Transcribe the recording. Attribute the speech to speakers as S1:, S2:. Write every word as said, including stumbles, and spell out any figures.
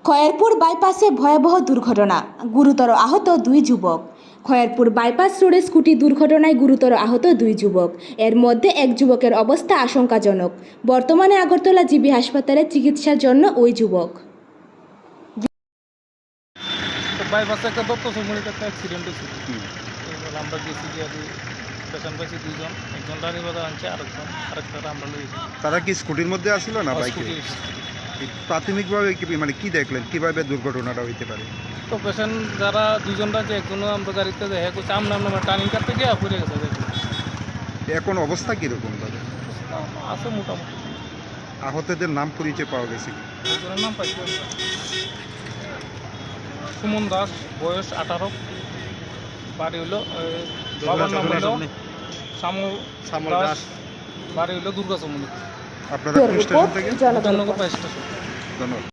S1: খয়েরপুর বাইপাসে ভয়াবহ দুর্ঘটনা, গুরুতর আহত দুই যুবক। খয়েরপুর বাইপাস রোডে স্কুটি দুর্ঘটনায় গুরুতর আহত দুই যুবক। এর মধ্যে এক যুবকের অবস্থা আশঙ্কাজনক। বর্তমানে আগরতলা জিবি হাসপাতালে চিকিৎসার জন্য ওই যুবক।
S2: বাইপাসে একটা দত্ত সমুদ্রে একটা অ্যাক্সিডেন্ট হয়েছে। এবার আমরা গেছি যে আর পেশেন্ট পাইছি দুজন, একজন রানীবাজার আনছে, আরেকজন আরেকটা আমরা লইছি।
S3: তারা কি স্কুটির মধ্যে আসছিল না বাইকে? প্রাথমিকভাবে কি মানে কি দেখলেন কিভাবে দুর্ঘটনাটা হইতে পারে?
S2: তো পেশেন্ট যারা দুজনরা যে একজনও আমরা গাড়িতে দেখা করছে, আমরা আমরা টার্নিং কাটতে গিয়ে পড়ে গেছে।
S3: এখন অবস্থা কিরকম তাদের?
S2: আছে মোটামুটি।
S3: আহতদের নাম পরিচয় পাওয়া গেছে কি?
S2: একজনের নাম পাইছি আমরা। সুমন দাস, বয়স আঠারো, বাড়ি হইল বাবার নাম হইল শ্যামল দাস, বাড়ি হইল দুর্গা চমনি।
S3: আপনারা কোন স্টেশন থেকে?
S1: জনগণ।
S2: ধন্যবাদ।
S3: ধন্যবাদ।